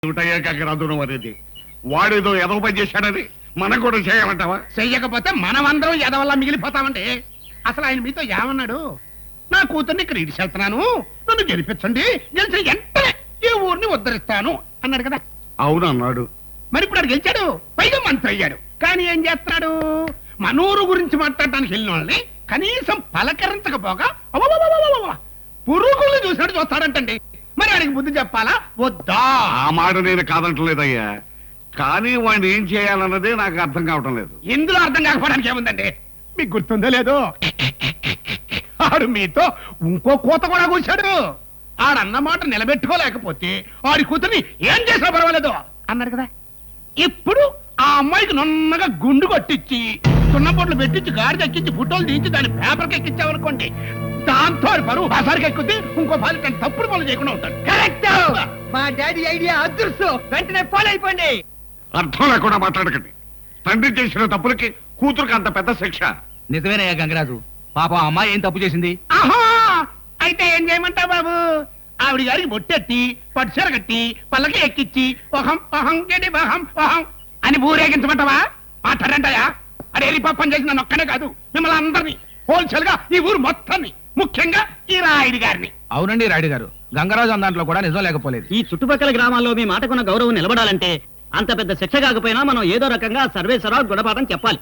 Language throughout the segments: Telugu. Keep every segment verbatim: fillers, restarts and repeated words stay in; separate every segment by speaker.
Speaker 1: ఏమిటయ్యాక అనేది వాడేదో ఎదవ పని చేశాడని మనం కూడా చేయమంటావా?
Speaker 2: చెయ్యకపోతే మనమందరం ఎదవల్లా మిగిలిపోతామండి. అసలు ఆయన మీతో ఏమన్నాడు? నా కూతుర్ని ఇక్కడ ఇడిచి వెళ్తున్నాను, నన్ను గెలిపించండి, గెలిచిన వెంటనే ఈ ఊరిని ఉద్ధరిస్తాను అన్నాడు కదా.
Speaker 1: అవును అన్నాడు.
Speaker 2: మరి ఇప్పుడు అది గెలిచాడు, పైగా మంత్రి అయ్యాడు. కానీ ఏం చేస్తున్నాడు? మనూరు గురించి మాట్లాడడానికి వెళ్ళిన వాళ్ళని కనీసం పలకరించకపోగా పురుగుల్ని చూసినట్టు చూస్తాడంటండి. మరి ఆయనకి బుద్ధి చెప్పాలా వద్దా?
Speaker 1: ఆ మాట నేను కాదంటలేదయ్యా, కానీ వాడిని ఏం చేయాలన్నదే నాకు అర్థం కావటం లేదు.
Speaker 2: ఇందులో అర్థం కాకపోవడానికి ఏముందండి? మీకు గుర్తుందో లేదో, ఆడు మీతో ఇంకో కోత కూడా కూర్చాడు. ఆడన్నమాట నిలబెట్టుకోలేకపోతే ఆడి కూతుర్ని ఏం చేసినా పర్వాలేదు అన్నాడు కదా. ఇప్పుడు ఆ అమ్మాయికి నున్నగా గుండు కొట్టించి సున్నపోట్లు పెట్టించి గాడి ఎక్కించి ఫోటోలు తీయించి దాన్ని పేపర్కి ఎక్కించామనుకోండి, దాంతో పరువు బసారికి ఎక్కుద్ది, ఇంకో బాలి తప్పుడు పనులు చేయకుండా ఉంటాడు.
Speaker 3: కరెక్ట్. మా డాడీ ఐడియా అదృష్టం. వెంటనే ఫాలో అయిపోండి.
Speaker 1: అర్థం లేకుండా మాట్లాడకండి. తండ్రి చేసిన తప్పులకి కూతురుకి అంత పెద్ద శిక్ష.
Speaker 4: నిజమేనయ్యా గంగరాజు, పాప అమ్మాయి ఏం తప్పు చేసింది?
Speaker 2: ఆహా, అయితే ఏం చేయమంటావు బాబు? ఆవిడ గారికి బొట్టెట్టి పట్టుచీర కట్టి పల్లకి ఎక్కిచ్చి ఒహం ఒహం గడి ఒహం ఒహం అని ఊరేగించమంటావా? మాట్లాడంటాయా? అడే పాపం చేసి నన్ను ఒక్కనే కాదు, మిమ్మల్ని అందరినీ, హోల్సేల్ గా ఈ ఊరు మొత్తాన్ని, ముఖ్యంగా ఈ రాయుడి గారిని.
Speaker 4: అవునండి రాయుడు గారు, గంగరాజు అన్న కూడా నిజం లేకపోలేదు.
Speaker 3: ఈ చుట్టుపక్కల గ్రామాల్లో మీ మాటకున్న గౌరవం నిలబడాలంటే అంత పెద్ద శిక్ష కాకపోయినా మనం ఏదో రకంగా సర్వేశ్వరరావు గుణపాఠం చెప్పాలి.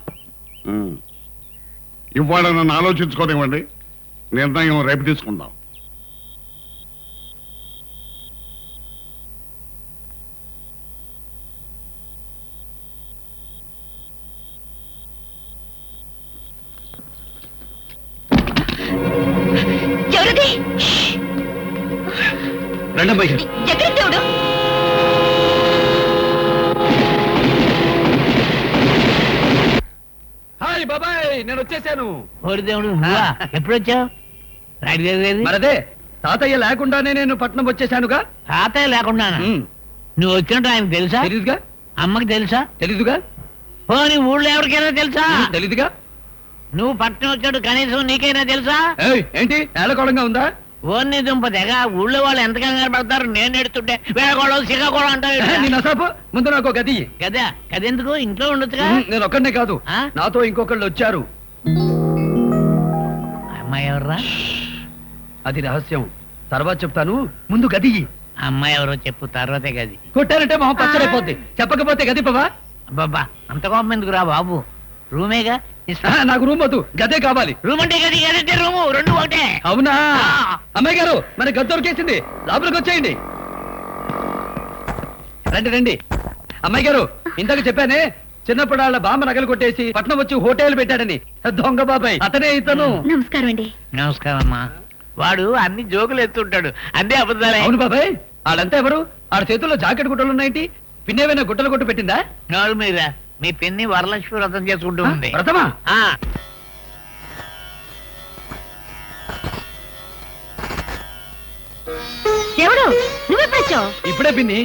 Speaker 1: ఇవాళ నన్ను ఆలోచించుకోనివ్వండి, నిర్ణయం రేపు తీసుకుందాం.
Speaker 3: రండమ్మాయి గారు.
Speaker 4: హాయ్ బాబాయ్, నేను వచ్చేసాను.
Speaker 5: దేవుడు ఎప్పుడు వచ్చావు?
Speaker 4: మరదే తాతయ్య లేకుండానే నేను పట్నం వచ్చేసానుగా.
Speaker 5: తాతయ్య లేకుండా నువ్వు వచ్చినట్టు ఆయనకు తెలుసా?
Speaker 4: తెలీదుగా.
Speaker 5: అమ్మకి తెలుసా?
Speaker 4: తెలీదుగా.
Speaker 5: పోనీ ఊళ్ళో ఎవరికైనా తెలుసా?
Speaker 4: తెలీదుగా.
Speaker 5: నువ్వు పట్నం వచ్చాడు కనీసం నీకైనా తెలుసా?
Speaker 4: ఏంటి ఏలకోళంగా ఉందా?
Speaker 5: ఓన్ని దుంప తెగ ఊళ్ళో వాళ్ళు ఎంత కంగారు పడతారు. నేను ఎడుతుంటే వేళకోళం సిగకోళం అంటారు.
Speaker 4: ముందు నాకు గది
Speaker 5: గదా గదెందుకు? ఇంట్లో ఉండొచ్చుగా.
Speaker 4: నేను ఒక్కడనే కాదు, నాతో ఇంకొకళ్ళు వచ్చారు.
Speaker 5: అమ్మాయి ఎవర్రా?
Speaker 4: అది రహస్యం, తర్వాత చెప్తాను. ముందు గది.
Speaker 5: అమ్మాయి ఎవరో చెప్పు, తర్వాతే గది.
Speaker 4: కొట్టారంటే మొహం పచ్చడైపోద్ది, చెప్పకపోతే గది పవా.
Speaker 5: అబ్బాబ్బా అంత కోపం ఎందుకు రా బాబు, రూమేగా.
Speaker 4: నాకు రూమ్ వద్దు, గదే కావాలి.
Speaker 5: రూమ్ అంటే గది, గదంటే రూము, రెండు ఒకటే.
Speaker 4: అవునా? అమ్మాయి గారు మన గది దొరికేసింది, లోపలికి వచ్చేయండి. రండి రండి. అమ్మాయి గారు, ఇందాక చెప్పానే చిన్నప్పుడు వాళ్ళ బామ్మ నగలు కొట్టేసి పట్నం వచ్చి హోటల్ పెట్టాడని, దొంగ బాబాయ్ అతనే ఇతను.
Speaker 6: నమస్కారం అండి.
Speaker 5: నమస్కారం అమ్మా. వాడు అన్ని జోకులు ఎత్తుంటాడు, అదే అబద్ధాలే.
Speaker 4: అవును బాబాయ్, వాళ్ళంతా ఎవరు? ఆడ చేతుల్లో జాకెట్ గుట్టలు ఉన్నాయంటి, పిన్నేమైనా గుట్టలు కొట్టు పెట్టిందా?
Speaker 5: నోరు మీద మీ పిన్ని వరలక్ష్మి వ్రతం చేసుకుంటూ ఉంది.
Speaker 4: వ్రతమా?
Speaker 6: దేవుడు నువ్వెప్పుడొచ్చావు?
Speaker 4: ఇప్పుడే పిన్ని.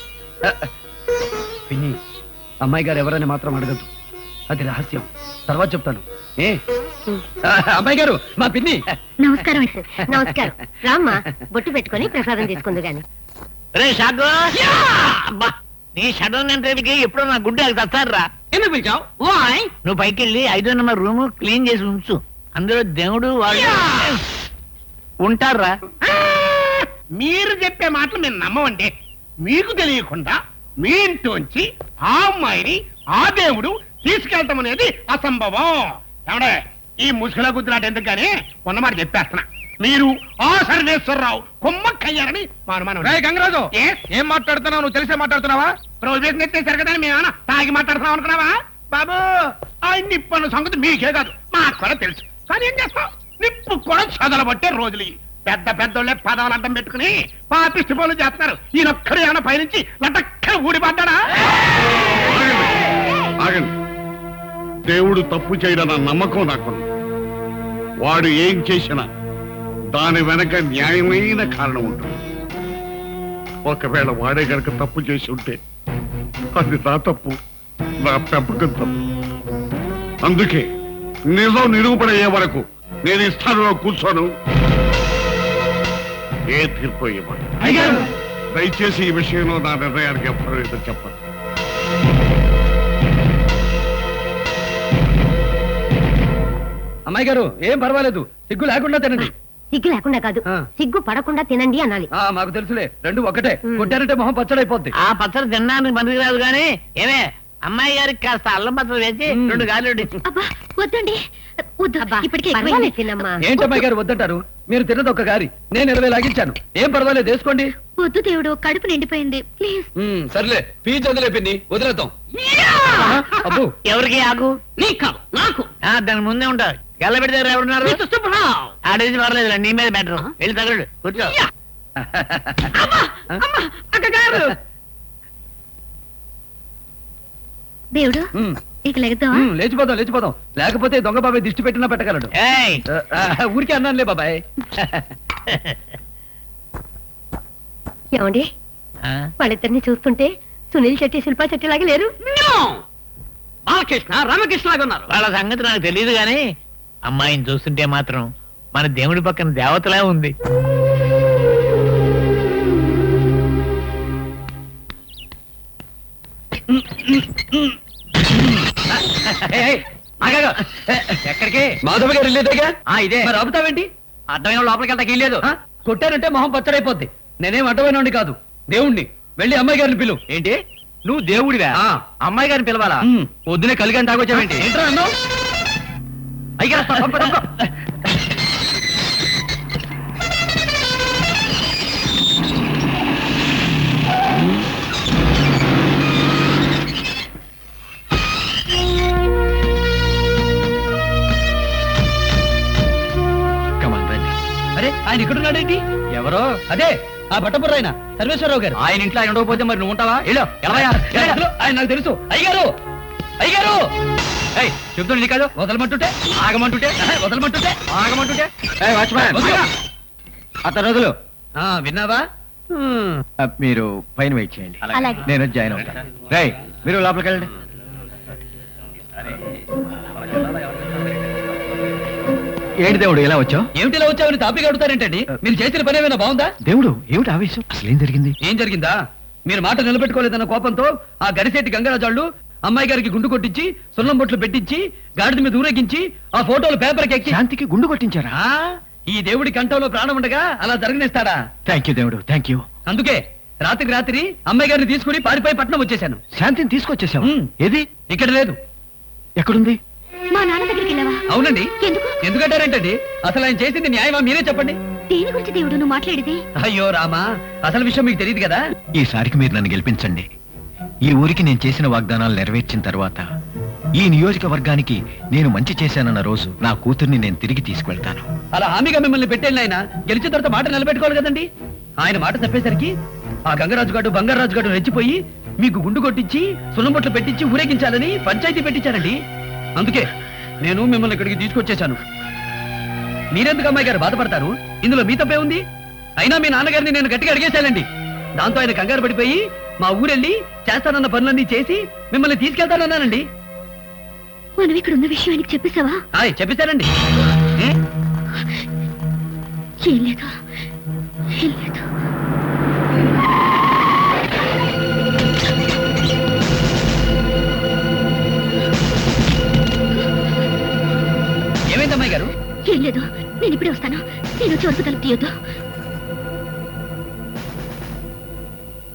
Speaker 4: పిన్ని, అమ్మాయి గారు ఎవరని మాత్రం అడగద్దు, అది రహస్యం, తర్వాత చెప్తాను. ఏ అమ్మాయి గారు, మా పిన్ని.
Speaker 6: నమస్కారం నమస్కారం. రామ్మా, బొట్టు పెట్టుకొని ప్రసాదం తీసుకుంది గాని.
Speaker 5: రే షాకు, నీ షడన్ అంటే ఎప్పుడో నా గుడ్డ తస్తారా?
Speaker 3: ఎందుకు పిలిచావు?
Speaker 5: నువ్వు పైకి వెళ్ళి ఐదో నెంబర్ రూమ్ క్లీన్ చేసి ఉంచు, అందులో దేవుడు వాళ్ళు ఉంటారా.
Speaker 2: మీరు చెప్పే మాటలు మేము నమ్మమండి. మీకు తెలియకుండా మీ ఇంట్లోంచి ఆ అమ్మాయిని ఆ దేవుడు తీసుకెళ్తాం అనేది అసంభవం. ఏమండే, ఈ ముసుగుల గుద్దులాట ఎందుకు కానీ ఉన్నమాట చెప్పేస్తున్నా. మీరు ఆ సర్వేశ్వరరావు కొమ్మక్కయ్యారని మా అనుమానం.
Speaker 4: గంగరాజు, ఏం మాట్లాడుతున్నావు? నువ్వు తెలిసే మాట్లాడుతున్నావా?
Speaker 2: రోజు ఎత్తేసారు కదా, మేమన్నా తాగి మాట్లాడుతున్నాం అనుకున్నావా? బాబు, ఆ నిప్పు సంగతి మీకే కాదు మాకు కూడా తెలుసు. కానీ ఏం చేస్తాం, నిప్పు కూడా చదలబట్టే రోజులు. పెద్ద పెద్దోళ్ళే పదాలు అడ్డం పెట్టుకుని పాపిష్టి పనులు చేస్తున్నారు. ఈయనొక్కడు ఏమైనా పైనుంచి లటక్కన ఊడిపడ్డా?
Speaker 1: ఆగండి. దేవుడు తప్పు చేయడన్న నమ్మకం నాకు. వాడు ఏం చేసినా దాని వెనక న్యాయమైన కారణం ఉంటుంది. ఒకవేళ వాడే గనక తప్పు చేసి ఉంటే అది నా తప్పు, నా పెంపకం తప్పు. అందుకే నిజం నిరూపణయ్యే వరకు నేను ఈ స్థానంలో కూర్చోను. ఏ తీర్పు ఇవ్వండి. దయచేసి ఈ విషయంలో నా నిర్ణయానికి ఎవ్వరూ ఎదురు చెప్పదు.
Speaker 4: అమ్మాయి గారు ఏం పర్వాలేదు, సిగ్గు లేకుండా తినండి.
Speaker 6: సిగ్గు లేకుండా కాదు,
Speaker 4: ఆ.
Speaker 6: సిగ్గు పడకుండా తినండి అనాలి.
Speaker 4: ఆ మాకు తెలుసులే, రెండు ఒకటే. కొట్టారంటే మొహం పచ్చడైపోద్ది.
Speaker 5: ఆ పచ్చడి తినడానికి పనికిరాదు కానీ ఏమే అమ్మాయి గారికి కాస్త అల్లం పచ్చడి వేసి
Speaker 4: మ్మ్.
Speaker 5: రెండు గాలి
Speaker 6: అబ్బా వద్దండి, వద్దు ఇప్పటికే పర్వాలేదు తినమ్మా.
Speaker 4: ఏంటి అమ్మాయి గారు వద్దంటారు? మీరు తిన్నది ఒక గారి, నేను ఇరవై లాగించాను. ఏం పర్వాలేదు, వేసుకోండి.
Speaker 6: వద్దు దేవుడు, కడుపు నిండిపోయింది ప్లీజ్.
Speaker 4: ఉమ్, సర్లే పీచ్ వదిలేపింది, వదిలేద్దాం. అబ్బు
Speaker 5: ఎవరికి ఆకు
Speaker 3: నీకు కాదు నాకు.
Speaker 5: ఆ, దాని ముందే ఉంటారు. గల్ల పెడితే ఎవరున్నారు?
Speaker 3: మిస్టర్ సుబ్బరావ్.
Speaker 5: ఆడేది పర్లేదు, నీ మీద బెటర్. వెళ్ళి తగలడు, కూర్చో.
Speaker 3: అక్కగారు.
Speaker 6: దేవుడు
Speaker 4: ఉమ్,
Speaker 6: ఇక లెగతావా?
Speaker 4: ఉమ్, లేచిపోదాం లేచిపోదాం, లేకపోతే దొంగ బాబాయ్ దిష్టి పెట్టినా పెట్టగలడు.
Speaker 5: ఏయ్,
Speaker 4: ఆ, ఆ, ఊరికే అన్నానులే బాబాయ్.
Speaker 6: ఏమండి
Speaker 5: ఆ,
Speaker 6: వాళ్ళిద్దరిని చూస్తుంటే సునీల్ శెట్టి శిల్పా శెట్టి లాగా లేరు?
Speaker 3: No! బాలకృష్ణ రామకృష్ణ లాగా ఉన్నారు.
Speaker 5: వాళ్ళ సంగతి నాకు తెలియదు గాని అమ్మాయిని చూస్తుంటే మాత్రం మన దేవుడి పక్కన దేవతలా ఉంది.
Speaker 4: ఏయ్, ఏయ్, ఆగాగు. ఎక్కడికి? మాధవ గారు వెళ్ళేదేగా. ఇదే మరి ఆపుతావేంటి?
Speaker 3: అడ్డమైన లోపలికి వెళ్తాకి లేదు.
Speaker 4: ఆ, కొట్టారంటే మొహం పచ్చడైపోద్ది. నేనేం అడ్డమైనోడిని కాదు, దేవుణ్ణి. వెళ్ళి అమ్మాయి గారిని పిలువు.
Speaker 3: ఏంటి నువ్వు దేవుడివా?
Speaker 4: ఆ.
Speaker 3: అమ్మాయి గారిని పిలవాలా?
Speaker 4: ఉమ్.
Speaker 3: పొద్దునే కలిగని తాగొచ్చావేంటి?
Speaker 4: ఏంట్రా అన్నావు?
Speaker 3: అయ్యారా
Speaker 4: అరే ఆయన ఇక్కడున్నాడేంటి? ఎవరో అదే ఆ బట్టపుర్ర ఆయన సర్వేశ్వరరావు గారు.
Speaker 3: ఆయన ఇంట్లో ఆయన ఉండకపోతే మరి నువ్వు ఉంటావా? వెళ్ళు, వెళ్ళవయ్యా,
Speaker 4: ఏ, అసలు ఆయన నాకు తెలుసు. అయ్యగారు అయ్యగారు
Speaker 3: ఏయ్, చెప్తుండే కాదు.
Speaker 4: వదలమంటుంటే
Speaker 3: ఆగమంటుంటే
Speaker 4: ఆహా, వదలమంటుంటే
Speaker 3: ఆగమంటుంటే
Speaker 4: వదలు.
Speaker 7: అతను రోజులు
Speaker 4: ఆ, విన్నావా? హ్మ్.
Speaker 7: మీరు పైన వెయిట్ చేయండి,
Speaker 6: అలాగే.
Speaker 7: నేను జాయిన్ అవుతాను. రై మీరు లోపలికి వెళ్ళండి. ఏంటి దేవుడు ఇలా వచ్చావు?
Speaker 4: ఏమిటిలా వచ్చావని తాపిగా అడుగుతారేంటండి? మీరు చేసిన పని ఏమైనా బాగుందా?
Speaker 7: దేవుడు ఏమిటి ఆవేశం? అసలు ఏం జరిగింది?
Speaker 4: ఏం జరిగిందా? మీరు మాట నిలబెట్టుకోలేదన్న కోపంతో ఆ గడిసేటి గంగరాజాళ్ళు అమ్మాయి గారికి గుండు కొట్టించి సున్నం బొట్లు పెట్టించి గాడిద మీద ఊరేగించి ఆ ఫోటోలు పేపర్కి ఎక్కి
Speaker 7: శాంతికి గుండు కొట్టించారా?
Speaker 4: ఆ, ఈ దేవుడి కంఠంలో ప్రాణం ఉండగా అలా జరగనిస్తాడా?
Speaker 7: థ్యాంక్ యూ దేవుడు, థ్యాంక్ యూ.
Speaker 4: అందుకే రాత్రికి రాత్రి అమ్మాయి గారిని తీసుకుని పారిపోయి పట్నం వచ్చేశాను.
Speaker 7: శాంతిని తీసుకొచ్చేసావు?
Speaker 4: ఉమ్.
Speaker 7: ఏది?
Speaker 4: ఇక్కడ లేదు.
Speaker 7: ఎక్కడుంది?
Speaker 6: మా నాన్న దగ్గరికి వెళ్ళావా?
Speaker 4: అవునండి.
Speaker 6: ఎందుకు?
Speaker 4: ఎందుకంటారేంటండి? అసలు ఆయన చేసింది న్యాయమా మీరే చెప్పండి.
Speaker 6: దేని గురించి దేవుడు నువ్వు మాట్లాడేది?
Speaker 4: అయ్యో రామా, అసలు విషయం మీకు తెలియదు కదా.
Speaker 7: ఈసారికి మీరు నన్ను గెలిపించండి. ఈ ఊరికి నేను చేసిన వాగ్దానాలు నెరవేర్చిన తర్వాత ఈ నియోజకవర్గానికి నేను మంచి చేశానన్న రోజు నా కూతుర్ని నేను తిరిగి తీసుకువెళ్తాను.
Speaker 4: అలా హామీగా మిమ్మల్ని పెట్టేళ్ళి ఆయన గెలిచిన తర్వాత మాట నిలబెట్టుకోవాలి కదండి. ఆయన మాట తప్పేసరికి ఆ గంగరాజు గారు బంగారాజు గారు రెచ్చిపోయి మీకు గుండు కొట్టించి సున్నబొట్లు పెట్టించి ఊరేగించాలని పంచాయతీ పెట్టించారండి. అందుకే నేను మిమ్మల్ని ఇక్కడికి తీసుకొచ్చేశాను. మీరెందుకు అమ్మాయి గారు బాధపడతారు? ఇందులో మీ తప్పే ఉంది. అయినా మీ నాన్నగారిని నేను గట్టిగా అడిగేశానండి. దాంతో ఆయన కంగారు పడిపోయి మా ఊరెళ్ళి చేస్తానన్న పనులన్నీ చేసి మిమ్మల్ని తీసుకెళ్తానన్నానండి.
Speaker 6: మనం ఇక్కడ ఉన్న విషయం ఆయనకి చెప్పేశావా?
Speaker 4: ఆయ్ చెప్పేశానండి. ఏ?
Speaker 6: ఏం లేదు, ఏం లేదు.
Speaker 4: ఏమైంది అమ్మాయి గారు?
Speaker 6: ఏం లేదు, నేను ఇప్పుడే వస్తాను. నేను వచ్చి వరకు తలుపు తీయొద్దు.